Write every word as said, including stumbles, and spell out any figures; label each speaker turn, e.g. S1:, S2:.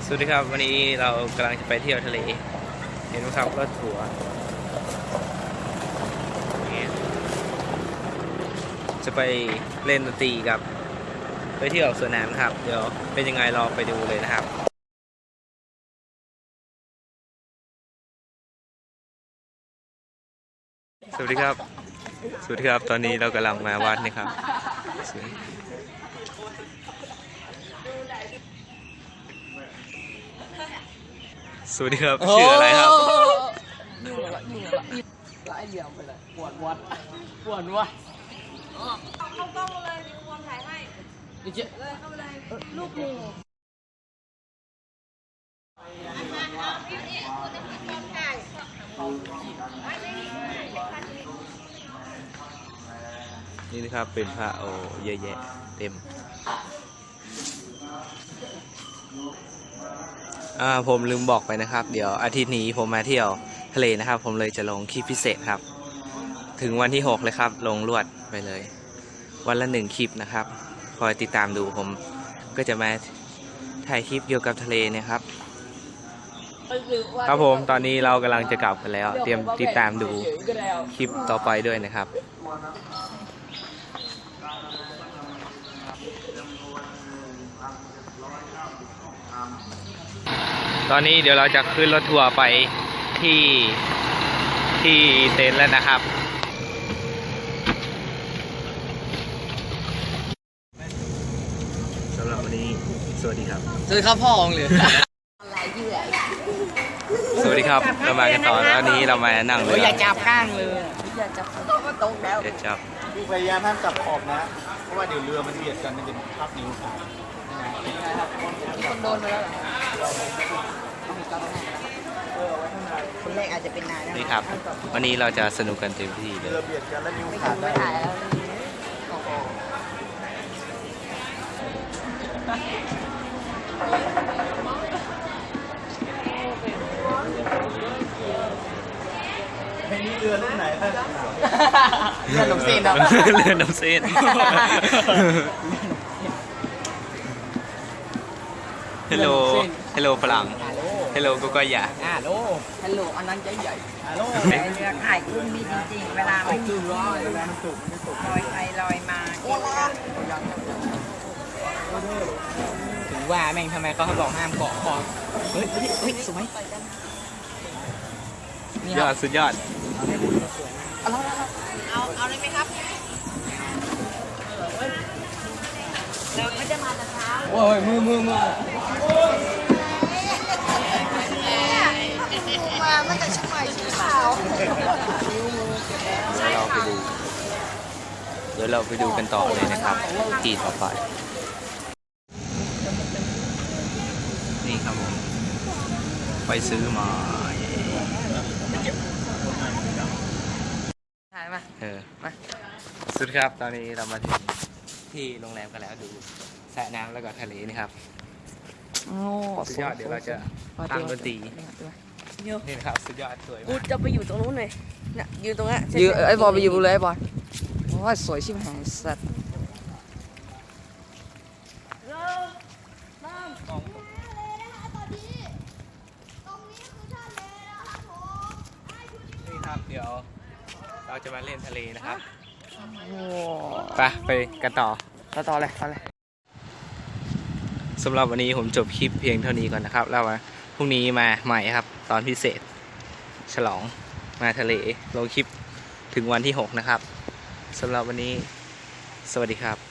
S1: สวัสดีครับวันนี้เรากำลังจะไปเที่ยวทะเลเห็นไหมครับรถทัวร์จะไปเล่นดนตรีกับไปเที่ยวสวนน้ำครับเดี๋ยวเป็นยังไงรอไปดูเลยนะครับสวัสดีครับสวัสดีครับตอนนี้เรากำลังมาวัดนี่ครับสวัสดีครับชื่ออะไรครับ
S2: ยิ่งละยิ่งละละไอเดียไปเลยปวดวัดปวดวัด
S3: เอาเข้ากล้องมาเลยมีคนถ่ายให้
S2: ดิเจ
S3: เลยเข้าไปเลยลูกหมู
S1: นี่นะครับเป็นพระโอเยอะแยะเต็มอ่าผมลืมบอกไปนะครับเดี๋ยวอาทิตย์นี้ผมมาเที่ยวทะเลนะครับผมเลยจะลงคลิปพิเศษครับถึงวันที่หกเลยครับลงรวดไปเลยวันละหนึ่งคลิปนะครับคอยติดตามดูผมก็จะมาถ่ายคลิปเกี่ยวกับทะเลนะครับครับผมตอนนี้เรากำลังจะกลับกันแล้วเตรียมติดตามดูคลิปต่อไปด้วยนะครับตอนนี้เดี๋ยวเราจะขึ้นรถทัวร์ไปที่ที่เต็นท์แล้วนะครับสำหรับวันนี้สวัสดีครับ
S2: สวัสดีครับพ่อองเลย
S1: สวัสดีครับเรามากันต่อแล้วนี้เรามานั่งเรือ
S2: อย่าจับก้างเลยอย่าจับก็ตกแล้ว
S1: อย่าจับ
S4: พยายามห้ามจับขอบนะเพราะว่าเดี๋ยวเรือมันเบียดกันมันจะทับนิ้วขาด
S2: คนโดนไปแล้วคนแรกอาจจะเป็นนาย
S1: นี่ครับวันนี้เราจะสนุกกันเต็มที่เลย
S4: เรือเบียดกันแล้วนิ้วขาดได้เพลงนี้เรือรุ่นไหนครับ
S2: เรือน้ำเส้น
S1: เรือน้ำเส้นฮัลโหลฮัลโหลฝรั่งฮัลโหลก็ก็อย่า
S2: ฮัลโหลฮัลโหลอันนั้นใจใหญ่
S4: ฮัลโหล
S3: เรือขายกุ้งนี่จริงๆเวลาไม่ถึงร้อยเวลาสุกไม่สุกลอยไปลอยมา
S2: ถึงว่าแม่งทำไมเขาบอกห้ามเกาะคอเฮ้ยเฮ้ยสวย
S1: ยอดสุดยอด
S3: เอาเอาเลยไหมครับเราไม่ได้มาแต่เช้า
S2: โอ้ยมือมือมือ
S3: มาเมื่อแต่ช่วงบ่ายสีขาว
S1: เดี๋ยวเราไปดูเดี๋ยวเราไปดูกันต่อเลยนะครับที่ต่อไปนี่ครับผมไปซื้อมา
S2: ถ่ายมา
S1: เออมาสุดครับตอนนี้เรามาถึงที่โรงแรมกันแล้วดูสระน้ำแล้วก็ทะเลนี่ครับสุดยอดเดี๋ยวเราจะทำดนตรีนี่นะครับสุดยอดสวยมาก
S3: กูจะไปอยู่ตรงนู้นเลยเนี่ยยืนตรงนี้
S2: ยืนไอ้บอลไปอยู่เลยไอ้บอลโอ้ยสวยชิบหายสัตว์
S1: นี่ครับเดี๋ยวเราจะมาเล่นทะเลนะครับไปไปกันต่อ
S2: ต่อต่อเลยต่อเลย
S1: สำหรับวันนี้ผมจบคลิปเพียงเท่านี้ก่อนนะครับแล้วพรุ่งนี้มาใหม่ครับตอนพิเศษฉลองมาทะเลลงคลิปถึงวันที่หกนะครับสำหรับวันนี้สวัสดีครับ